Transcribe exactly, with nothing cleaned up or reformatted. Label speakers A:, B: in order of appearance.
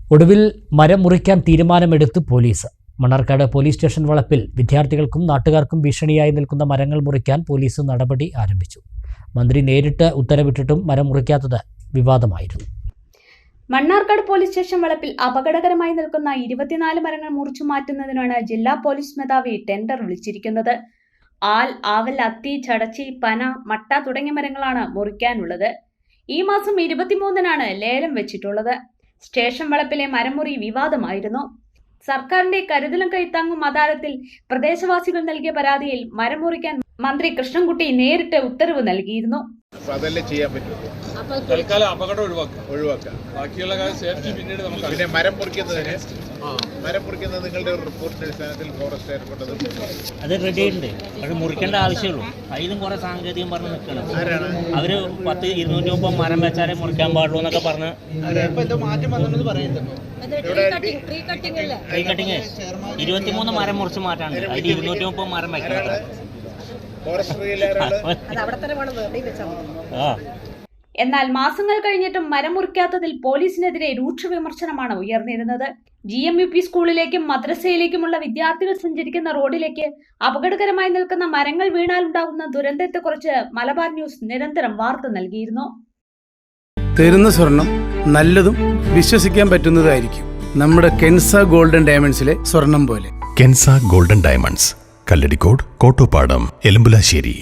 A: ഒടുവിൽ മരം മുറിക്കാൻ തീരുമാനമെടുത്ത് പോലീസ്. മണ്ണാർക്കാട് പോലീസ് സ്റ്റേഷൻ വളപ്പിൽ വിദ്യാർത്ഥികൾക്കും നാട്ടുകാർക്കും ഭീഷണിയായി നിൽക്കുന്ന മരങ്ങൾ മുറിക്കാൻ പോലീസ് നടപടി ആരംഭിച്ചു. മന്ത്രി നേരിട്ട് ഉത്തരവിട്ടിട്ടും മരം മുറിക്കാത്തത് വിവാദമായിരുന്നു.
B: മണ്ണാർക്കാട് പോലീസ് സ്റ്റേഷൻ വളപ്പിൽ അപകടകരമായി നിൽക്കുന്ന ഇരുപത്തിനാല് മരങ്ങൾ മുറിച്ചു മാറ്റുന്നതിനാണ് ജില്ലാ പോലീസ് മേധാവി ടെൻഡർ വിളിച്ചിരിക്കുന്നത്. ആൽ, ആവൽ, അത്തി, ചടച്ചി, പന, മട്ട തുടങ്ങിയ മരങ്ങളാണ് മുറിക്കാനുള്ളത്. ഈ മാസം ഇരുപത്തിമൂന്നിനാണ് ലേലം വെച്ചിട്ടുള്ളത്. സ്റ്റേഷൻ വളപ്പിലെ മരമുറി വിവാദമായിരുന്നു. സർക്കാരിന്റെ കരുതലും കൈത്താങ്ങും അദാലത്തിൽ പ്രദേശവാസികൾ നൽകിയ പരാതിയിൽ മരം മുറിക്കാൻ മന്ത്രി കൃഷ്ണൻകുട്ടി നേരിട്ട് ഉത്തരവ് നൽകിയിരുന്നു.
C: തൽക്കാലം അപകടം ഒഴിവാക്കാം. ബാക്കിയുള്ള സേഫ്റ്റി പിന്നീട് നമുക്ക്
D: പിന്നെ മരം മുറിക്കുന്നതിന് മരം മുറിക്കുന്നത് നിങ്ങളുടെ റിപ്പോർട്ടിന്റെ അടിസ്ഥാനത്തിൽ ഫോറസ്റ്റ് ഏർപ്പെട്ടത്
E: അത് റെഡി ആയിട്ടുണ്ട്. അത് മുറിക്കേണ്ട ആവശ്യമുള്ളൂ. അതിലും കുറെ സാങ്കേതികം പറഞ്ഞ് നിൽക്കണം. അവര് പത്ത് ഇരുന്നൂറ്റി മുപ്പത് മരം വെച്ചാലേ മുറിക്കാൻ പാടുള്ളൂ എന്നൊക്കെ പറഞ്ഞ് ട്രീ കട്ടിങ് ഇരുപത്തിമൂന്ന് മരം മുറിച്ച് മാറ്റാണ്ട് അതിൽ ഇരുന്നൂറ്റി മുപ്പത് മരം വെക്കണം.
B: എന്നാൽ മാസങ്ങൾ കഴിഞ്ഞിട്ടും മരം മുറിക്കാത്തതിൽ പോലീസിനെതിരെ രൂക്ഷ വിമർശനമാണ് ഉയർന്നിരുന്നത്. ജി എം യു പി സ്കൂളിലേക്കും മദ്രസയിലേക്കുമുള്ള വിദ്യാർത്ഥികൾ സഞ്ചരിക്കുന്ന റോഡിലേക്ക് അപകടകരമായി നിൽക്കുന്ന മരങ്ങൾ വീണാലുണ്ടാകുന്ന ദുരന്തത്തെക്കുറിച്ച് മലബാർ ന്യൂസ് നിരന്തരം വാർത്ത നൽകിയിരുന്നു.
F: തരുന്ന സ്വർണം നല്ലതും വിശ്വസിക്കാൻ പറ്റുന്നതായിരിക്കും. നമ്മുടെ കെൻസ ഗോൾഡൻ ഡയമണ്ട്സിലെ സ്വർണം പോലെ.
G: Kenza golden diamonds, Kalladikode, Kottopadam, എലമ്പുലാശ്ശേരി.